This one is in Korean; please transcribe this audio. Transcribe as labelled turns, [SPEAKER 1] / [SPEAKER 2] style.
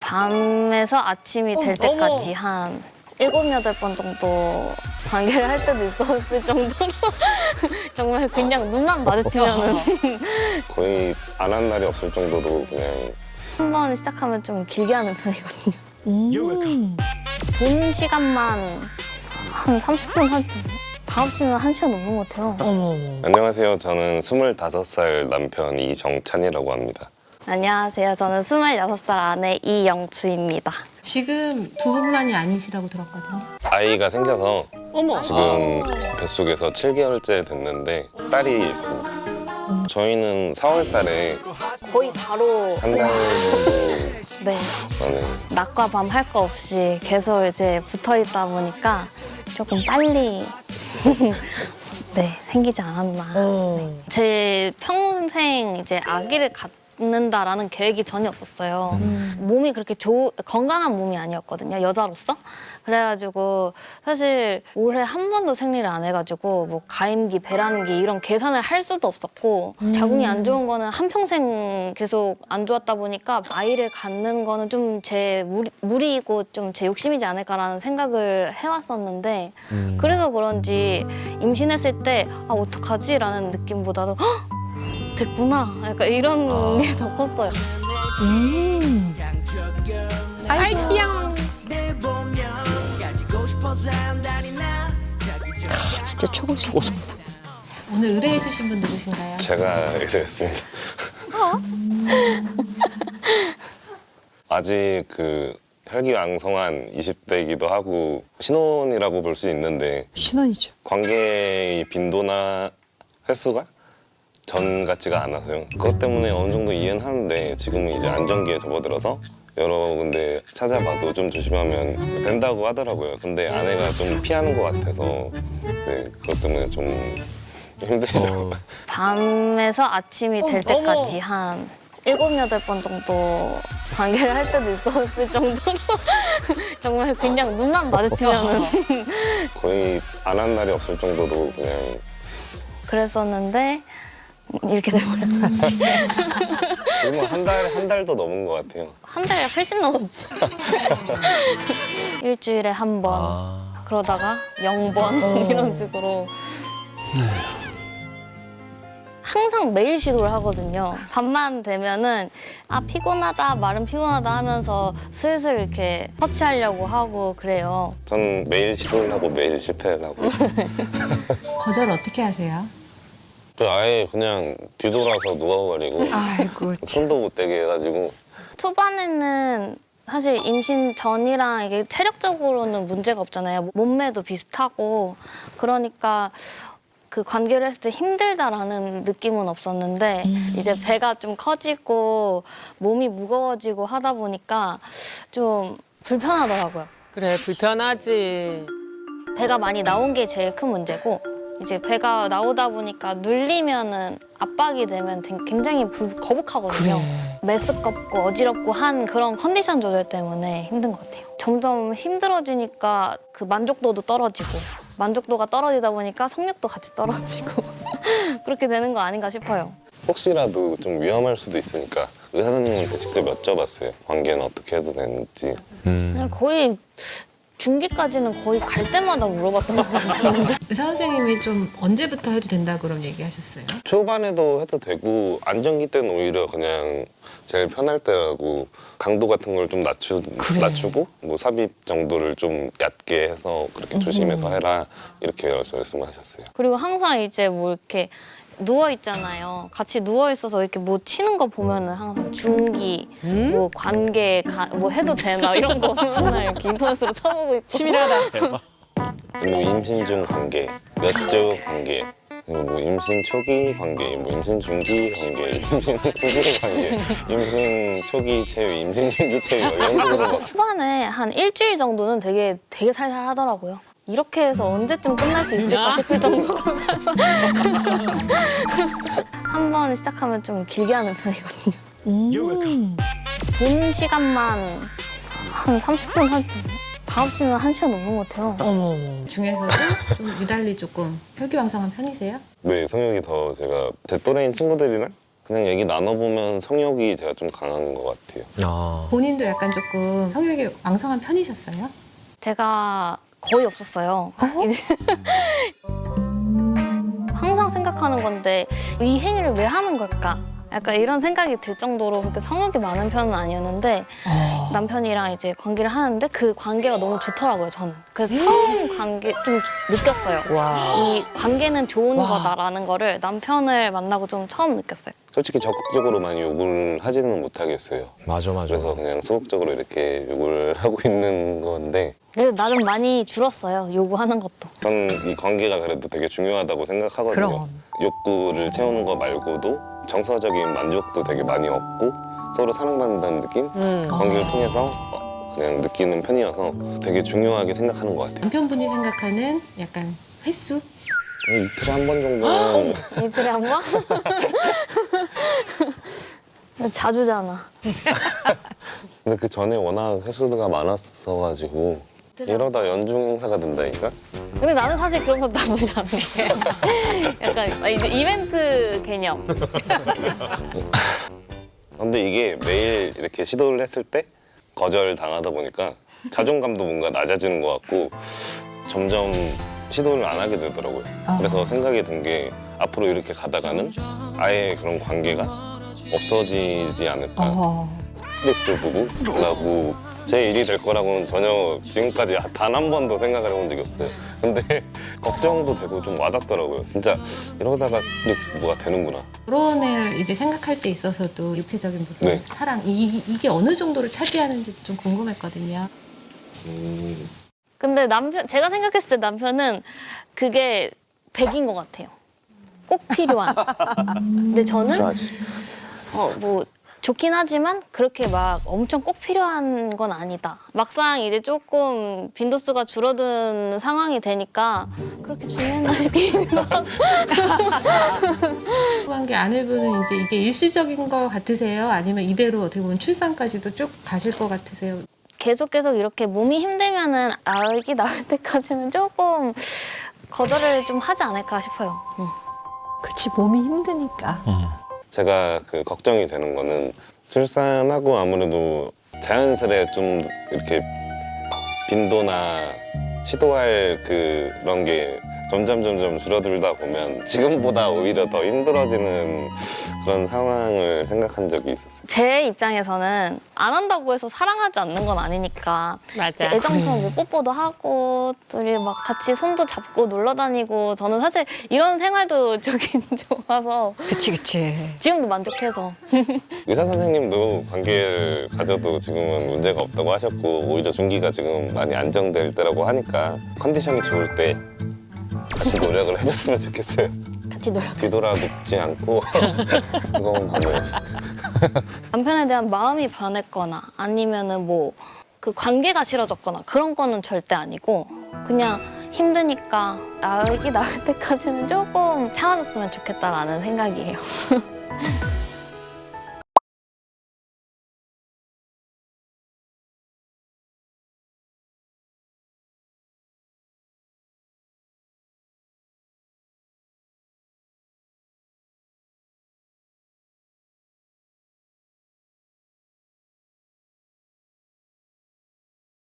[SPEAKER 1] 밤에서 아침이 될 때까지 한 7, 8번 정도 관계를 할 때도 있었을 정도로 정말 그냥 눈만 마주치면은
[SPEAKER 2] 거의 안 한 날이 없을 정도로 그냥
[SPEAKER 1] 한 번 시작하면 좀 길게 하는 편이거든요. 본 시간만 한 30분 할 때 밤치면 1시간 넘는 것 같아요.
[SPEAKER 2] 안녕하세요. 저는 25살 남편 이정찬이라고 합니다.
[SPEAKER 1] 안녕하세요. 저는 26살 아내 이영주입니다.
[SPEAKER 3] 지금 두 분만이 아니시라고 들었거든요.
[SPEAKER 2] 아이가 생겨서
[SPEAKER 3] 어머.
[SPEAKER 2] 지금 뱃속에서 7개월째 됐는데 딸이 있습니다. 저희는 4월 달에
[SPEAKER 1] 거의 바로
[SPEAKER 2] 한 달 정도
[SPEAKER 1] 네,
[SPEAKER 2] 만에
[SPEAKER 1] 낮과 밤 할 거 없이 계속 이제 붙어 있다 보니까 조금 빨리 네, 생기지 않았나. 제 평생 이제 아기를 갖는다라는 계획이 전혀 없었어요. 몸이 그렇게 건강한 몸이 아니었거든요, 여자로서. 그래가지고 사실 올해 한 번도 생리를 안 해가지고 뭐 가임기, 배란기 이런 계산을 할 수도 없었고 자궁이 안 좋은 거는 한평생 계속 안 좋았다 보니까 아이를 갖는 거는 좀 제 무리이고 좀 제 욕심이지 않을까라는 생각을 해왔었는데 그래서 그런지 임신했을 때 아, 어떡하지? 라는 느낌보다도 헉! 됐구나. 약간 이런 게 더 컸어요.
[SPEAKER 3] 아이피양.
[SPEAKER 4] 진짜 초고속.
[SPEAKER 3] 오늘 의뢰해주신 분 누구신가요?
[SPEAKER 2] 제가 이랬습니다. 아직 그 혈기왕성한 20대이기도 하고 신혼이라고 볼 수 있는데
[SPEAKER 4] 신혼이죠.
[SPEAKER 2] 관계의 빈도나 횟수가 전 같지가 않아서요. 그것 때문에 어느 정도 이해는 하는데 지금은 이제 안정기에 접어들어서 여러 군데 찾아봐도 좀 조심하면 된다고 하더라고요. 근데 아내가 좀 피하는 것 같아서 네, 그것 때문에 좀 힘들죠.
[SPEAKER 1] 밤에서 아침이 될 때까지 한 7, 8번 정도 관계를 할 때도 있었을 정도로 정말 그냥 눈만 마주치면은
[SPEAKER 2] 거의 안 한 날이 없을 정도로 그냥
[SPEAKER 1] 그랬었는데 이렇게 돼버렸다.
[SPEAKER 2] 지금은 한 달도 넘은 것 같아요.
[SPEAKER 1] 한 달이 훨씬 넘었지. 일주일에 한 번, 그러다가 0번 이런 식으로. 항상 매일 시도를 하거든요. 밤만 되면은 아 피곤하다, 말은 피곤하다 하면서 슬슬 이렇게 터치하려고 하고 그래요.
[SPEAKER 2] 전 매일 시도를 하고 매일 실패를 하고
[SPEAKER 3] 거절 어떻게 하세요?
[SPEAKER 2] 아예 그냥 뒤돌아서 누워버리고
[SPEAKER 4] 아이고.
[SPEAKER 2] 손도 못 대게 해가지고
[SPEAKER 1] 초반에는 사실 임신 전이랑 이게 체력적으로는 문제가 없잖아요. 몸매도 비슷하고 그러니까 그 관계를 했을 때 힘들다라는 느낌은 없었는데 이제 배가 좀 커지고 몸이 무거워지고 하다 보니까 좀 불편하더라고요.
[SPEAKER 5] 그래, 불편하지.
[SPEAKER 1] 배가 많이 나온 게 제일 큰 문제고 이제 배가 나오다 보니까 눌리면은 압박이 되면 굉장히 거북하거든요. 메스껍고 어지럽고 한 그런 컨디션 조절 때문에 힘든 것 같아요. 점점 힘들어지니까 그 만족도도 떨어지고 만족도가 떨어지다 보니까 성욕도 같이 떨어지고 그렇게 되는 거 아닌가 싶어요.
[SPEAKER 2] 혹시라도 좀 위험할 수도 있으니까 의사 선생님한테 직접 여쭤봤어요. 관계는 어떻게 해도 되는지.
[SPEAKER 1] 그냥 거의 중기까지는 거의 갈 때마다 물어봤던 것 같습니다.
[SPEAKER 3] 의사 선생님이 좀 언제부터 해도 된다 그런 얘기하셨어요?
[SPEAKER 2] 초반에도 해도 되고 안정기 때는 오히려 그냥 제일 편할 때라고 강도 같은 걸 좀 낮추고 뭐 삽입 정도를 좀 얕게 해서 그렇게 조심해서 해라 이렇게 말씀하셨어요.
[SPEAKER 1] 그리고 항상 이제 뭐 이렇게 누워 있잖아요. 같이 누워 있어서 이렇게 뭐 치는 거 보면은 항상 중기, 뭐 관계, 뭐 해도 되나 이런 거 맨날 이렇게 인터넷으로 쳐보고 있고.
[SPEAKER 5] 치밀하다.
[SPEAKER 2] 뭐 임신 중 관계, 몇 주 관계, 그리고 뭐 임신 초기 관계, 뭐 임신 중기 관계, 임신 후기 관계, 임신 초기 체위, 임신 중기 체위 이런 식으로 막
[SPEAKER 1] 초반에 한 일주일 정도는 되게 살살 하더라고요. 이렇게 해서 언제쯤 끝날 수 있을까 싶을 정도로 한 번 시작하면 좀 길게 하는 편이거든요. 본 시간만 한 30분 할 때 밤치면 1시간 넘는 것 같아요.
[SPEAKER 3] 중에서도 좀 유달리 조금 혈기왕성한 편이세요?
[SPEAKER 2] 네, 성욕이 더 제가 제 또래인 친구들이랑 그냥 얘기 나눠보면 성욕이 제가 좀 강한 것 같아요.
[SPEAKER 3] 본인도 약간 조금 성욕이 왕성한 편이셨어요?
[SPEAKER 1] 제가 거의 없었어요. 이제 항상 생각하는 건데 이 행위를 왜 하는 걸까? 약간 이런 생각이 들 정도로 그렇게 성욕이 많은 편은 아니었는데 남편이랑 이제 관계를 하는데 그 관계가 너무 좋더라고요, 저는. 그래서 처음 관계 좀 느꼈어요. 이 관계는 좋은 거다라는 거를 남편을 만나고 좀 처음 느꼈어요.
[SPEAKER 2] 솔직히 적극적으로 많이 욕을 하지는 못하겠어요.
[SPEAKER 5] 맞아.
[SPEAKER 2] 그래서 그냥 소극적으로 이렇게 욕을 하고 있는 건데
[SPEAKER 1] 그래도 나름 많이 줄었어요, 요구하는 것도.
[SPEAKER 2] 저는 이 관계가 그래도 되게 중요하다고 생각하거든요.
[SPEAKER 4] 그럼.
[SPEAKER 2] 욕구를 채우는 거 말고도 정서적인 만족도 되게 많이 얻고 서로 사랑받는다는 느낌? 관계를 통해서 그냥 느끼는 편이어서 되게 중요하게 생각하는 것 같아요.
[SPEAKER 3] 남편분이 생각하는 약간 횟수?
[SPEAKER 2] 이틀에 한 번 정도는
[SPEAKER 1] 이틀에 한 번? 자주잖아.
[SPEAKER 2] 근데 그 전에 워낙 횟수가 많았어가지고 이러다 연중 행사가 된다니까?
[SPEAKER 1] 근데 나는 사실 그런 것도 나쁘지 않은 게 약간 이제 이벤트 개념.
[SPEAKER 2] 근데 이게 매일 이렇게 시도를 했을 때 거절 당하다 보니까 자존감도 뭔가 낮아지는 것 같고 점점 시도를 안 하게 되더라고요. 그래서 생각이 든 게 앞으로 이렇게 가다가는 아예 그런 관계가 없어지지 않을까. 크리스 부부라고 제 일이 될 거라고는 전혀 지금까지 단 한 번도 생각을 해본 적이 없어요. 근데 걱정도 되고 좀 와닿더라고요. 진짜 이러다가 크리스 부부가 되는구나.
[SPEAKER 3] 결혼을 이제 생각할 때 있어서도 육체적인 부분,
[SPEAKER 2] 네.
[SPEAKER 3] 사랑 이게 어느 정도를 차지하는지 좀 궁금했거든요.
[SPEAKER 1] 근데 제가 생각했을 때 남편은 그게 100인 것 같아요. 꼭 필요한. 근데 저는 뭐 좋긴 하지만 그렇게 막 엄청 꼭 필요한 건 아니다. 막상 이제 조금 빈도수가 줄어든 상황이 되니까 그렇게 중요했나 싶기도 하고.
[SPEAKER 3] 관계 아내분은 이제 이게 일시적인 것 같으세요? 아니면 이대로 어떻게 보면 출산까지도 쭉 가실 것 같으세요?
[SPEAKER 1] 계속 이렇게 몸이 힘들면은 아기 나올 때까지는 조금 거절을 좀 하지 않을까 싶어요.
[SPEAKER 4] 그치, 몸이 힘드니까.
[SPEAKER 2] 제가 그 걱정이 되는 거는 출산하고 아무래도 자연스레 좀 이렇게 빈도나 시도할 그런 게 점점 줄어들다 보면 지금보다 오히려 더 힘들어지는 그런 상황을 생각한 적이 있었어요.
[SPEAKER 1] 제 입장에서는 안 한다고 해서 사랑하지 않는 건 아니니까
[SPEAKER 5] 맞아.
[SPEAKER 1] 애정표현 뭐 뽀뽀도 하고 둘이 막 같이 손도 잡고 놀러 다니고 저는 사실 이런 생활도 좋긴 좋아서
[SPEAKER 4] 그치.
[SPEAKER 1] 지금도 만족해서
[SPEAKER 2] 의사 선생님도 관계를 가져도 지금은 문제가 없다고 하셨고 오히려 중기가 지금 많이 안정될 때라고 하니까 컨디션이 좋을 때 같이 노력을 해줬으면 좋겠어요.
[SPEAKER 1] 같이 놀아.
[SPEAKER 2] 뒤돌아 눕지 않고 그건 반을.
[SPEAKER 1] 남편에 대한 마음이 변했거나 아니면은 뭐 그 관계가 싫어졌거나 그런 거는 절대 아니고 그냥 힘드니까 아기 나올 때까지는 조금 참아줬으면 좋겠다라는 생각이에요.